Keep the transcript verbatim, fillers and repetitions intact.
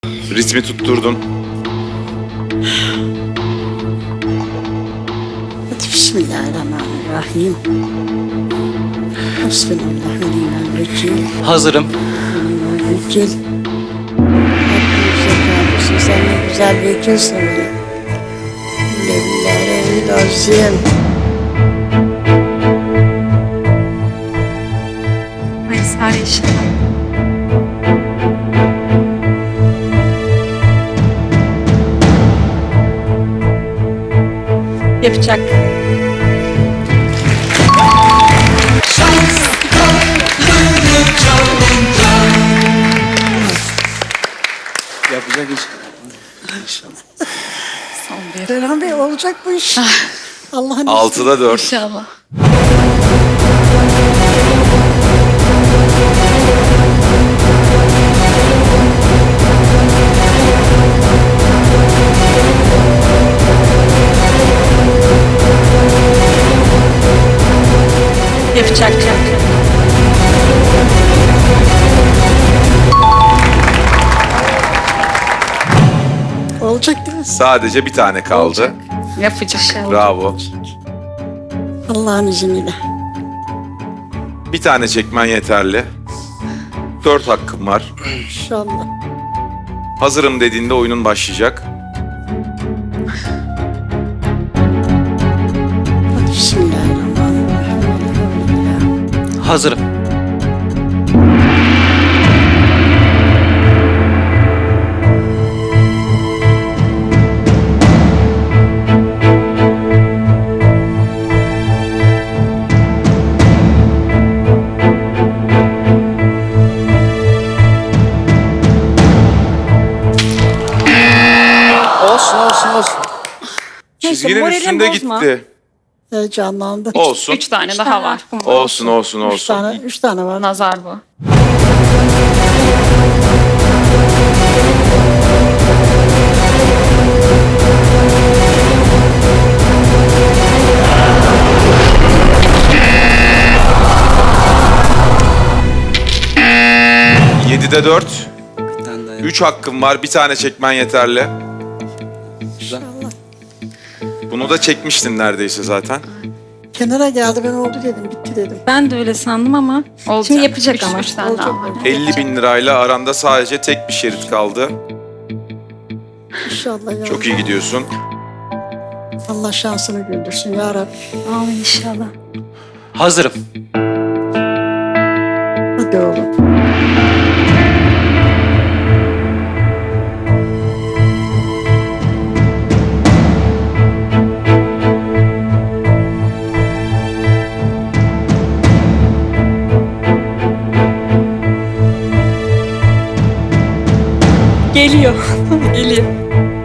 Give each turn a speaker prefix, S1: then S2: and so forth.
S1: Ritmi tutturdun.
S2: Hadi bismillahirrahmanirrahim. Bismillahirrahmanirrahim.
S3: Hazırım.
S2: Vekil. Hepimize kardeşim, sen ne güzel vekilsin benim. Billahi lazım.
S4: Ay Sare inşallah. Yapacak.
S3: Yapacak inşallah.
S4: Son bir.
S2: Serhan Bey, olacak bu iş. Allah'ın izniyle.
S1: Altıda dört.
S4: İnşallah. Yapacak.
S2: Olacak değil mi?
S1: Sadece bir tane kaldı.
S4: Yapacak.
S1: Bravo.
S2: Allah'ın izniyle.
S1: Bir tane çekmen yeterli. Dört hakkım var.
S2: İnşallah.
S1: Hazırım dediğinde oyunun başlayacak.
S2: Hadi bismillahirrahmanirrahim.
S3: Hazırım. Olsun olsun olsun.
S1: Çizginin
S4: moralini
S1: üstünde
S4: bozma.
S1: gitti.
S2: Heyecanlandım.
S1: Olsun.
S4: Üç tane daha var.
S1: Olsun olsun
S2: Üç
S1: olsun.
S2: tane, üç tane var.
S4: Nazar bu.
S1: Yedide dört.
S3: Bir tane daha yap.
S1: Üç hakkım var. Bir tane çekmen yeterli.
S3: Güzel.
S2: İnşallah.
S1: Bunu da çekmiştin neredeyse zaten.
S2: Kenara geldi, ben oldu dedim, bitti dedim.
S4: Ben de öyle sandım ama
S5: Olacak.
S4: şimdi yapacak
S5: Üç-
S4: ama.
S5: üç tane
S2: Olacak,
S5: daha var.
S2: olacak.
S1: elli bin lirayla aranda sadece tek bir şerit kaldı.
S2: İnşallah ya.
S1: Çok iyi gidiyorsun.
S2: Allah şansını güldürsün ya Rabbi.
S4: Amin inşallah.
S3: Hazırım.
S2: Hadi oğlum.
S4: Geliyor. Geliyor.